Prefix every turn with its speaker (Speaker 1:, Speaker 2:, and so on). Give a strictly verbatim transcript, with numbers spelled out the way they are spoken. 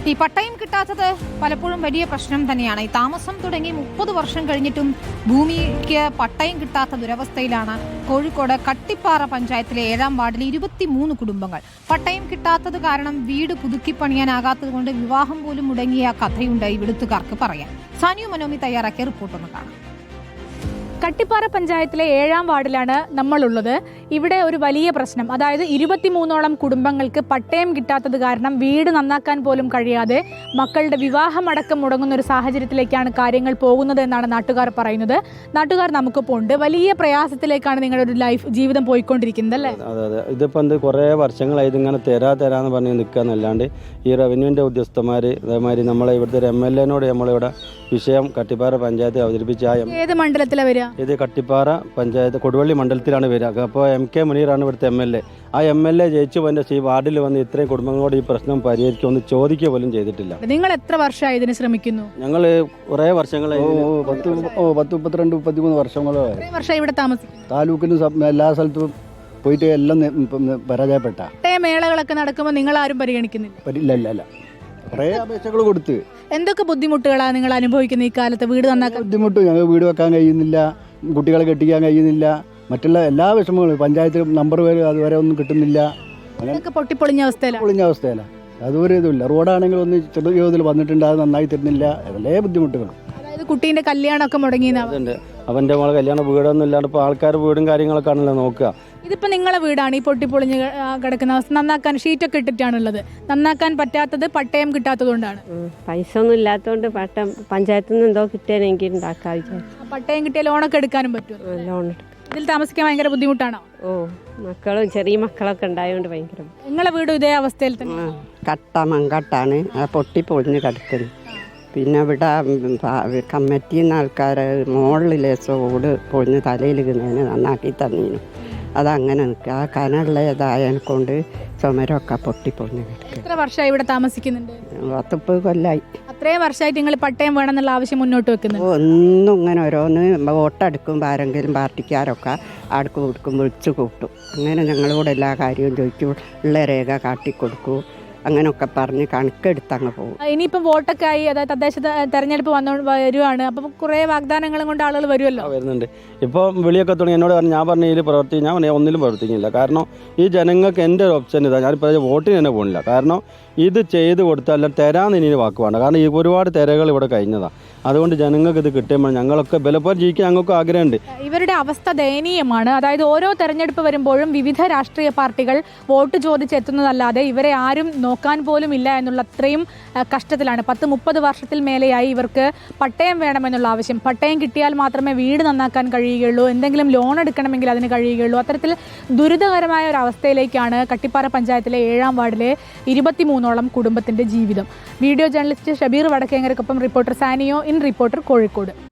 Speaker 1: ഈ പട്ടയം കിട്ടാത്തത് പലപ്പോഴും വലിയ പ്രശ്നം തന്നെയാണ്. ഈ താമസം തുടങ്ങി മുപ്പത് വർഷം കഴിഞ്ഞിട്ടും ഭൂമിക്ക് പട്ടയം കിട്ടാത്ത ദുരവസ്ഥയിലാണ് കോഴിക്കോട് കട്ടിപ്പാറ പഞ്ചായത്തിലെ ഏഴാം വാർഡിലെ ഇരുപത്തിമൂന്ന് കുടുംബങ്ങൾ. പട്ടയം കിട്ടാത്തത് കാരണം വീട് പുതുക്കി പണിയാനാകാത്തത് കൊണ്ട് വിവാഹം പോലും മുടങ്ങിയ കഥയുണ്ട് ഇവിടുത്തുകാർക്ക് പറയാൻ. സാനിയു മനോമി തയ്യാറാക്കിയ റിപ്പോർട്ടൊന്ന് കാണാം.
Speaker 2: കട്ടിപ്പാറ പഞ്ചായത്തിലെ ഏഴാം വാർഡിലാണ് നമ്മളുള്ളത്. ഇവിടെ ഒരു വലിയ പ്രശ്നം, അതായത് ഇരുപത്തിമൂന്നോളം കുടുംബങ്ങൾക്ക് പട്ടയം കിട്ടാത്തത് കാരണം വീട് നന്നാക്കാൻ പോലും കഴിയാതെ മക്കളുടെ വിവാഹമടക്കം മുടങ്ങുന്ന ഒരു സാഹചര്യത്തിലേക്കാണ് കാര്യങ്ങൾ പോകുന്നത് എന്നാണ് നാട്ടുകാർ പറയുന്നത്. നാട്ടുകാർ നമുക്കിപ്പോൾ ഉണ്ട്. വലിയ പ്രയാസത്തിലേക്കാണ് നിങ്ങളുടെ ഒരു ലൈഫ് ജീവിതം പോയിക്കൊണ്ടിരിക്കുന്നത് അല്ലേ?
Speaker 3: അതെ അതെ ഇതിപ്പോൾ എന്ത് കുറേ വർഷങ്ങളായി ഇതിങ്ങനെ തരാ തരാന്ന് പറഞ്ഞ് നിൽക്കാന്നല്ലാണ്ട് ഈ റവന്യൂവിൻ്റെ ഉദ്യോഗസ്ഥന്മാർ അതേമാതിരി നമ്മളെ ഇവിടുത്തെ ഒരു എം എൽ എനോട് നമ്മളിവിടെ വിഷയം കട്ടിപ്പാറ പഞ്ചായത്ത് അവതരിപ്പിച്ച
Speaker 2: ഏത് മണ്ഡലത്തിലാണ് വരിക?
Speaker 3: ഇത് കട്ടിപ്പാറ പഞ്ചായത്ത് കൊടുവള്ളി മണ്ഡലത്തിലാണ് വരിക. അപ്പോൾ എം കെ മുനീറാണ് ഇവിടുത്തെ എം എൽ എ. ആ എം എൽ എ ജയിച്ചു വന്ന ഈ വാർഡിൽ വന്ന് ഇത്രയും കുടുംബങ്ങളോട് ഈ പ്രശ്നം പരിഹരിക്കുമെന്ന് ചോദിക്കുക പോലും ചെയ്തിട്ടില്ല.
Speaker 2: നിങ്ങൾ എത്ര വർഷമായി ഇതിന് ശ്രമിക്കുന്നു?
Speaker 3: ഞങ്ങൾ കുറേ വർഷങ്ങളായി
Speaker 4: പത്ത് ഓ പത്ത് മുപ്പത്തിരണ്ട് മുപ്പത്തിമൂന്ന് വർഷങ്ങളായി
Speaker 2: വർഷമായി ഇവിടെ താമസിക്കുന്നു.
Speaker 4: താലൂക്കിനും എല്ലാ സ്ഥലത്തും പോയിട്ട് എല്ലാം പരാജയപ്പെട്ട
Speaker 2: മേളകളൊക്കെ നടക്കുമ്പോൾ നിങ്ങൾ ആരും പരിഗണിക്കുന്നില്ല?
Speaker 4: ഇല്ല ഇല്ല ഇല്ല കുറേ അപേക്ഷകൾ കൊടുത്ത്.
Speaker 2: എന്തൊക്കെ ബുദ്ധിമുട്ടുകളാണ് നിങ്ങൾ അനുഭവിക്കുന്നത് ഈ കാലത്ത്? വീട് നന്നാക്കാൻ
Speaker 4: ബുദ്ധിമുട്ട്, ഞങ്ങൾ വീട് വെക്കാൻ കഴിയുന്നില്ല, കുട്ടികളെ കെട്ടിക്കാൻ കഴിയുന്നില്ല, മറ്റുള്ള എല്ലാ വിഷമങ്ങളും പഞ്ചായത്ത് നമ്പർ വരെ അതുവരെ ഒന്നും കിട്ടുന്നില്ല.
Speaker 2: അങ്ങനെ പൊട്ടിപ്പൊളിഞ്ഞ അവസ്ഥയിലാണ്
Speaker 4: പൊളിഞ്ഞ അവസ്ഥയിലാണ്. അതൊരു ഇതുമില്ല. റോഡാണെങ്കിൽ ഒന്ന് ചെറു ജീവിതത്തിൽ വന്നിട്ടുണ്ട്, അത് നന്നായി തരുന്നില്ല. അതല്ലേ ബുദ്ധിമുട്ടുകൾ.
Speaker 2: അതായത് കുട്ടീൻ്റെ കല്യാണമൊക്കെ മുടങ്ങിയെന്ന്
Speaker 3: അതുണ്ട്. അവൻ്റെ മോളെ കല്യാണം വീടൊന്നും ഇല്ലാണ്ട് ഇപ്പോൾ ആൾക്കാർ വീടും കാര്യങ്ങളൊക്കെ ആണല്ലോ നോക്കുക.
Speaker 2: ഇതിപ്പോൾ നിങ്ങളെ വീടാണ് ഈ പൊട്ടിപ്പൊളിഞ്ഞ് കിടക്കുന്ന അവസ്ഥ. നന്നാക്കാൻ ഷീറ്റൊക്കെ ഇട്ടിട്ടാണുള്ളത്. നന്നാക്കാൻ പറ്റാത്തത് പട്ടയം കിട്ടാത്തത് കൊണ്ടാണ്.
Speaker 5: പൈസ ഒന്നും ഇല്ലാത്തതുകൊണ്ട് പട്ടം പഞ്ചായത്തിൽ നിന്ന് എന്തോ കിട്ടിയാൽ എനിക്ക് ഉണ്ടാക്കാൻ വിചാരിച്ചു.
Speaker 2: പട്ടയം കിട്ടിയ ലോണൊക്കെ എടുക്കാനും പറ്റും.
Speaker 5: ലോൺ
Speaker 2: ഇതിൽ താമസിക്കാൻ ഭയങ്കര ബുദ്ധിമുട്ടാണോ?
Speaker 5: ഓ മക്കളും ചെറിയ മക്കളൊക്കെ ഉണ്ടായതുകൊണ്ട് ഭയങ്കര.
Speaker 2: നിങ്ങളെ വീടും ഇതേ അവസ്ഥയിൽ തന്നെ?
Speaker 5: കട്ട മങ്കട്ടാണ്, പൊട്ടി പൊളിഞ്ഞ് കിടക്കുന്നത്. പിന്നെ ഇവിടെ കമ്മിറ്റിയിൽ നിന്ന് ആൾക്കാർ മുകളിലെ സോട് പൊളിഞ്ഞ് തലയിൽ കിണതിന് നന്നാക്കി തന്നീനു. അതങ്ങനെ നിൽക്കുക. ആ കനമുള്ളതായതിനെ കൊണ്ട് ചുമരമൊക്കെ പൊട്ടി പൊളിഞ്ഞ് കിടക്കുക.
Speaker 2: എത്ര വർഷമായി ഇവിടെ താമസിക്കുന്നുണ്ട്?
Speaker 5: പത്തുപ്പത് കൊല്ലായി.
Speaker 2: അത്രയും വർഷമായിട്ട് നിങ്ങൾ പട്ടയം വേണമെന്നുള്ള ആവശ്യം മുന്നോട്ട് വെക്കുന്നു?
Speaker 5: ഒന്നും ഇങ്ങനെ ഓരോന്ന് വോട്ടെടുക്കുമ്പോൾ ആരെങ്കിലും പാർട്ടിക്കാരൊക്കെ അടുക്കും കൊടുക്കും വിളിച്ചു കൂട്ടും. അങ്ങനെ ഞങ്ങളോട് എല്ലാ കാര്യവും ചോദിക്കും, ഉള്ള രേഖ കാട്ടിക്കൊടുക്കും, അങ്ങനെയൊക്കെ പറഞ്ഞ് കണക്കെടുത്ത് അങ്ങ് പോകും.
Speaker 2: ഇനിയിപ്പം വോട്ടൊക്കെ ആയി, അതായത് തദ്ദേശ തെരഞ്ഞെടുപ്പ് വന്നു വരുവാണ്. അപ്പം കുറേ വാഗ്ദാനങ്ങളും കൊണ്ട് ആളുകൾ വരുമല്ലോ.
Speaker 3: വരുന്നുണ്ട്. ഇപ്പോൾ വിളിയൊക്കെ തുടങ്ങി. എന്നോട് പറഞ്ഞു, ഞാൻ പറഞ്ഞ ഇതിൽ പ്രവർത്തി ഞാൻ പറഞ്ഞ ഒന്നിലും പ്രവർത്തിക്കുന്നില്ല. കാരണം ഈ ജനങ്ങൾക്ക് എൻ്റെ ഒരു ഓപ്ഷൻ ഇതാ, ഞാനിപ്പോൾ വോട്ടിന് തന്നെ പോകുന്നില്ല. കാരണം ഇത് ചെയ്ത് കൊടുത്താൽ തരാമെന്ന് ഇനി വാക്ക് വേണ്ട. കാരണം ഈ ഒരുപാട് തിരകൾ ഇവിടെ കഴിഞ്ഞതാണ്. അതുകൊണ്ട് ജനങ്ങൾക്ക് ഇത് കിട്ടുമ്പോൾ ഞങ്ങളൊക്കെ ബലപ്പോലെ ജീവിക്കാൻ ഞങ്ങൾക്ക് ആഗ്രഹമുണ്ട്.
Speaker 2: ഇവരുടെ അവസ്ഥ ദയനീയമാണ്. അതായത് ഓരോ തെരഞ്ഞെടുപ്പ് വരുമ്പോഴും വിവിധ രാഷ്ട്രീയ പാർട്ടികൾ വോട്ട് ചോദിച്ചെത്തുന്നതല്ലാതെ ഇവരെ ആരും നോക്കാൻ പോലും ഇല്ല എന്നുള്ള അത്രയും കഷ്ടത്തിലാണ്. പത്ത് മുപ്പത് വർഷത്തിൽ മേലെയായി ഇവർക്ക് പട്ടയം വേണമെന്നുള്ള ആവശ്യം. പട്ടയം കിട്ടിയാൽ മാത്രമേ വീട് നന്നാക്കാൻ കഴിയുകയുള്ളൂ, എന്തെങ്കിലും ലോൺ എടുക്കണമെങ്കിൽ അതിന് കഴിയുകയുള്ളൂ. അത്തരത്തിൽ ദുരിതകരമായ ഒരു അവസ്ഥയിലേക്കാണ് കട്ടിപ്പാറ പഞ്ചായത്തിലെ ഏഴാം വാർഡിലെ ഇരുപത്തിമൂന്നോളം കുടുംബത്തിന്റെ ജീവിതം. വീഡിയോ ജേർണലിസ്റ്റ് ഷബീർ വടക്കേങ്ങരക്കൊപ്പം റിപ്പോർട്ടർ സാനിയോ ഇൻ റിപ്പോർട്ടർ കോഴിക്കോട്.